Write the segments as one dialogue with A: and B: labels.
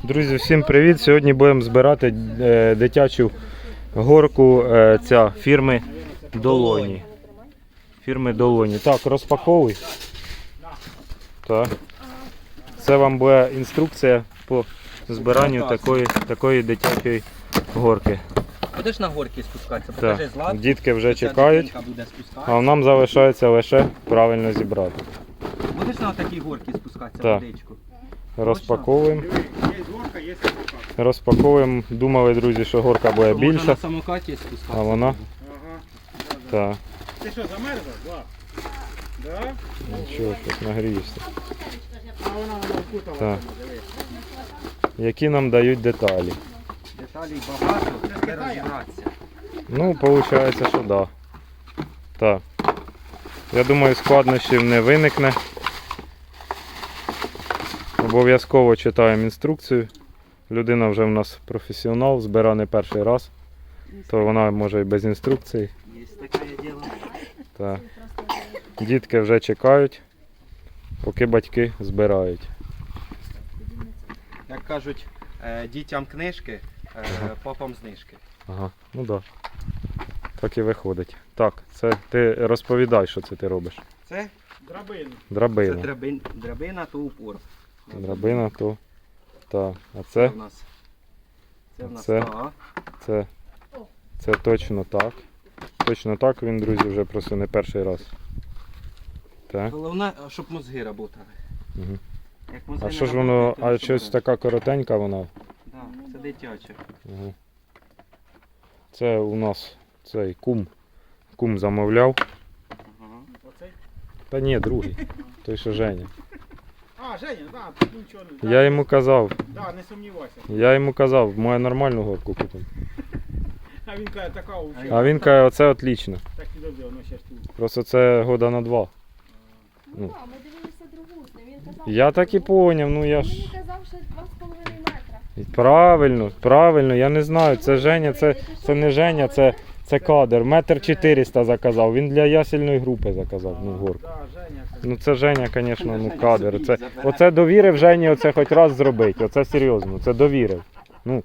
A: Друзі, всім привіт! Сьогодні будемо збирати дитячу горку фірми Долоні. Фірми Долоні. Так, розпаковуй. Так. Це вам буде інструкція по збиранню такої дитячої горки.
B: Будеш на горки спускатися, покажи Злат.
A: Дітки вже чекають, а нам залишається лише правильно зібрати.
B: Будеш на такій горки спускатися,
A: так.
B: водичку?
A: Розпаковуємо. Розпаковуємо. Думали, друзі, що горка буде більша.
B: Можна на самокаті спускатися.
A: А вона? Так.
C: Ти що, замерзла? Влад? Да?
A: Нічого, щось нагрієшся.
C: А вона вкутала.
A: Так. Які нам дають деталі?
B: Деталей багато, не розібратися.
A: Ну, виходить, що так. Да. Так. Я думаю, складнощів не виникне. Обов'язково читаємо інструкцію. Людина вже в нас професіонал, збира не перший раз. То вона може і без інструкції.
B: Є таке діло.
A: Так. Дітки вже чекають, поки батьки збирають.
B: Як кажуть, дітям книжки, папам знижки.
A: Ага, ну так. Да. Так і виходить. Так, це ти розповідай, що це ти робиш.
B: Це?
C: Драбину.
A: Драбина.
B: Це драбина, то упор.
A: Драбина, то. Так. А
B: Це
A: це?
B: в нас. Це в нас
A: Це?
B: А.
A: Це точно так. Точно так він, друзі, вже просто не перший раз. Так.
B: Головне, щоб мозги працювали.
A: Угу.
B: Як мозги
A: А
B: не
A: що ж
B: работають,
A: воно,
B: то
A: а
B: нічого
A: щось
B: не
A: така коротенька вона?
B: Да, це дитяче.
A: Угу. Це у нас цей кум замовляв.
B: Ага.
C: Оцей?
A: Та ні, другий. Той, що Женя.
C: А, Женя, да, тут нічого не.
A: Я йому казав,
C: Да, не сумнівайся.
A: мою нормальну горку купимо.
C: А він каже, така уже.
A: А він каже, оце отлично.
C: Так і добре, воно ще ж тут.
A: Просто це года на 2.
D: Ну так, ми дивилися другу з ним. Він казав,
A: Я так і поняв, ну я ж.
D: Мені казав, що 2,5 метра.
A: Правильно, я не знаю. Це Женя, це не Женя, це кадр. 1,4 м заказав. Він для ясельної групи заказав, ну, горку.
C: Да, Женя.
A: Ну це Женя, звісно, ну кадр. Оце довірив Жені оце хоч раз зробити. Оце серйозно, це довірив. Ну,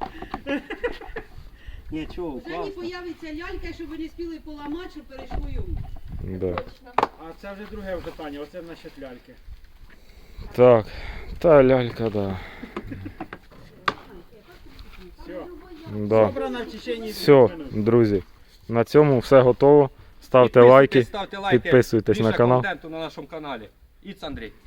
B: Ні, чого,
E: Вже не
B: класно.
E: появиться лялька, щоб ви не спіли поламати, щоб перейшло йому.
A: да.
C: А це вже друге питання, оце насчет ляльки.
A: Так, та лялька, да.
C: Все.
A: Да.
C: Собрано в течение 2
A: Все,
C: минут.
A: друзі, на цьому все готово. Ставте лайки, підписуйтесь на канал.
B: Більше контенту на нашому каналі. Іц Андрій.